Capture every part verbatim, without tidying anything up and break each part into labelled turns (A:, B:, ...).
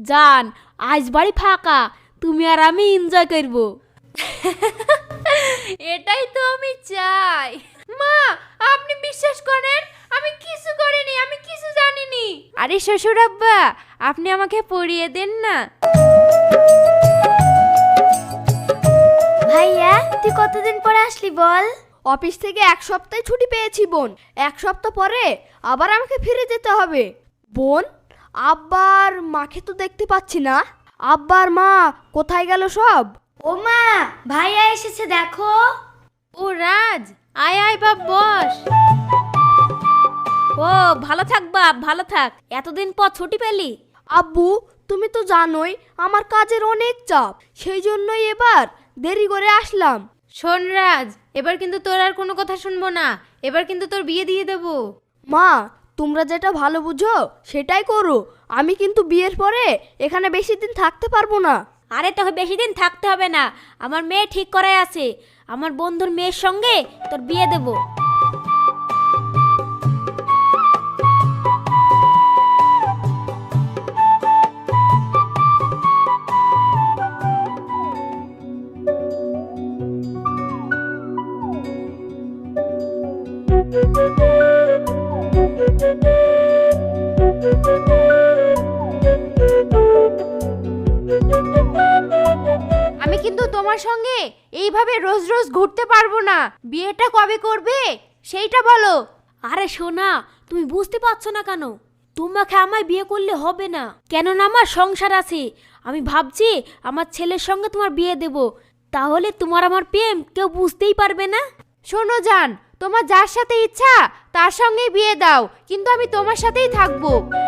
A: জান, আজ বাড়ি ফাঁকা, তুমি আর আমি এনজয় করব।
B: এটাই তো আমি চাই। মা, আপনি বিশ্বাস করেন আমি কিছু করিনি, আমি কিছু জানিনি। আরে শ্বশুর আব্বা, আপনি আমাকে পড়িয়ে দেন না।
C: ভাইয়া, তুই কতদিন পরে আসলি বল?
D: অফিস থেকে এক সপ্তাহ ছুটি পেয়েছি বোন। এক সপ্তাহ পরে আবার আমাকে ফিরে যেতে হবে। বোন, আব্বার মাকে তো দেখতে পাচ্ছি না। আব্বার মা কোথায় গেল সব?
C: ও মা, ভাইয়া এসেছে দেখো।
B: ও রাজ, আয় আয় বাপ, বস।
A: ও ভালো থাক বাপ, ভালো থাক। এতদিন পর ছুটি পেলি?
D: আব্বু, তুমি তো জানোই আমার কাজের অনেক চাপ, সেই জন্যই এবার দেরি করে আসলাম।
B: শোন রাজ, এবার কিন্তু তোর আর কোনো কথা শুনবো না। এবার কিন্তু তোর বিয়ে দিয়ে দেবো।
D: মা, তোমরা যেটা ভালো বুঝো সেটাই করো। আমি কিন্তু বিয়ের পরে এখানে বেশি দিন থাকতে পারবো না।
A: আরে তোকে বেশি দিন থাকতে হবে না, আমার মেয়ে ঠিক করাই আছে। আমার বন্ধুর মেয়ের সঙ্গে তোর বিয়ে দেব।
B: আমি কিন্তু তোমার সঙ্গে এইভাবে রোজ রোজ ঘুরতে পারবো না। বিয়েটা কবে করবে সেইটা বলো।
A: আরে সোনা, তুমি বুঝতে পারছো না কেন? তোমাকে আমায় বিয়ে করলে হবে না, কেননা আমার সংসার আছে। আমি ভাবছি আমার ছেলের সঙ্গে তোমার বিয়ে দেব, তাহলে তোমার আমার প্রেম কেউ বুঝতেই পারবে না।
B: শোনো জান, তোমার যার সাথে ইচ্ছা তার সঙ্গেই বিয়ে দাও, কিন্তু আমি তোমার সাথেই থাকবো।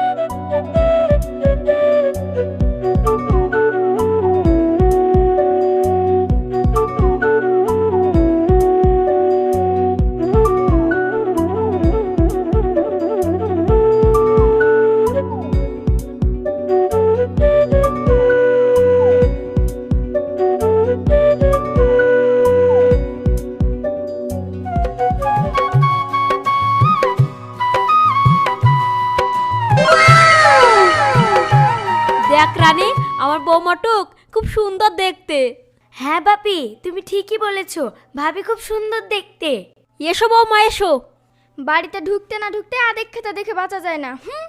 A: দেখ রানী, আমার বৌমাটুক খুব সুন্দর দেখতে।
C: হ্যাঁ বাপি, তুমি ঠিকই বলেছো, ভাবি খুব সুন্দর দেখতে।
A: এসো বৌমা, এসো।
D: বাড়িতে ঢুকতে না ঢুকতে আদেক খেতে দেখে বাঁচা যায় না। হুম।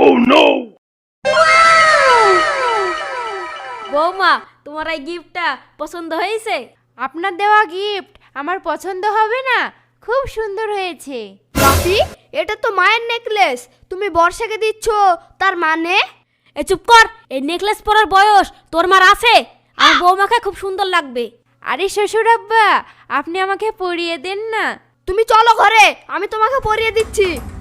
A: বৌমা, তোমার এই গিফটটা পছন্দ হয়েছে?
B: আপনার দেওয়া গিফট আমার পছন্দ হবে না? খুব সুন্দর হয়েছে।
D: বাপি, এটা তো মায়ের নেকলেস, তুমি বর্ষাকে দিচ্ছ, তার মানে?
A: এ চুপ কর, এই নেকলেস পরার বয়স তোর মার আছে? আমার বৌমাকে খুব সুন্দর লাগবে।
B: আরে শ্বশুর আব্বা, আপনি আমাকে পরিয়ে দেন না।
D: তুমি চলো ঘরে, আমি তোমাকে পরিয়ে দিচ্ছি।